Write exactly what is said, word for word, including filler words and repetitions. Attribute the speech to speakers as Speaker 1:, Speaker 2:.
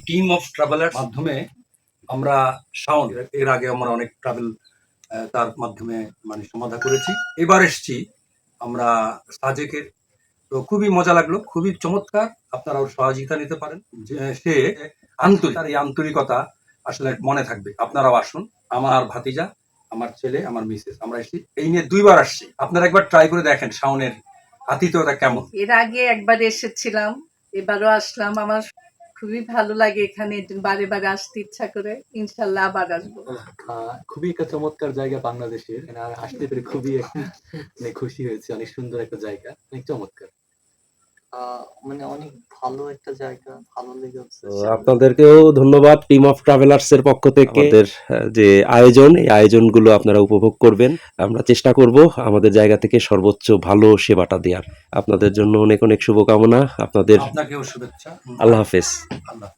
Speaker 1: Team of traveller মাধ্যমে আমরা শাওন এর আগে আমরা অনেক ট্রাভেল তার মাধ্যমে মানে সমাধা করেছি। এবার এসছি আমরা সাজেকের, তো খুবই মজা লাগলো, খুবই চমৎকার। আপনারাও সহযোগিতা নিতে পারেন। যে সে আন্তরিক, তার এই আন্তরিকতা আসলে মনে থাকবে। আপনারাও আসুন, আমার ভাতিজা, আমার ছেলে, আমার মিসেস, আমরা এসেছি এই নিয়ে দুইবার আসছি। আপনারা একবার ট্রাই করে দেখেন শাওনের আতিথ্যতা কেমন।
Speaker 2: এর আগে একবার এসেছিলাম, এবারও আসলাম। আমার খুবই ভালো লাগে এখানে, বারে বারে আসতে ইচ্ছা করে। ইনশাল্লাহ আবার আসবো।
Speaker 3: খুবই একটা চমৎকার জায়গা বাংলাদেশের, আসতে পেরে খুবই মানে খুশি হয়েছে। অনেক সুন্দর একটা জায়গা, অনেক চমৎকার, মানে অনেক ভালো একটা জায়গা, ভালো লেগেছে।
Speaker 4: আপনাদেরকেও ধন্যবাদ টিম অফ ট্রাভেলার্স এর পক্ষ থেকে। আমাদের যে আয়োজন, এই আয়োজনগুলো আপনারা উপভোগ করবেন। আমরা চেষ্টা করব আমাদের জায়গা থেকে সর্বোচ্চ ভালো সেবাটা দেওয়ার। আপনাদের জন্য অনেক অনেক শুভকামনা। আপনাদের
Speaker 1: আপনাকেও শুভেচ্ছা।
Speaker 4: আল্লাহ হাফেজ।
Speaker 1: আল্লাহ।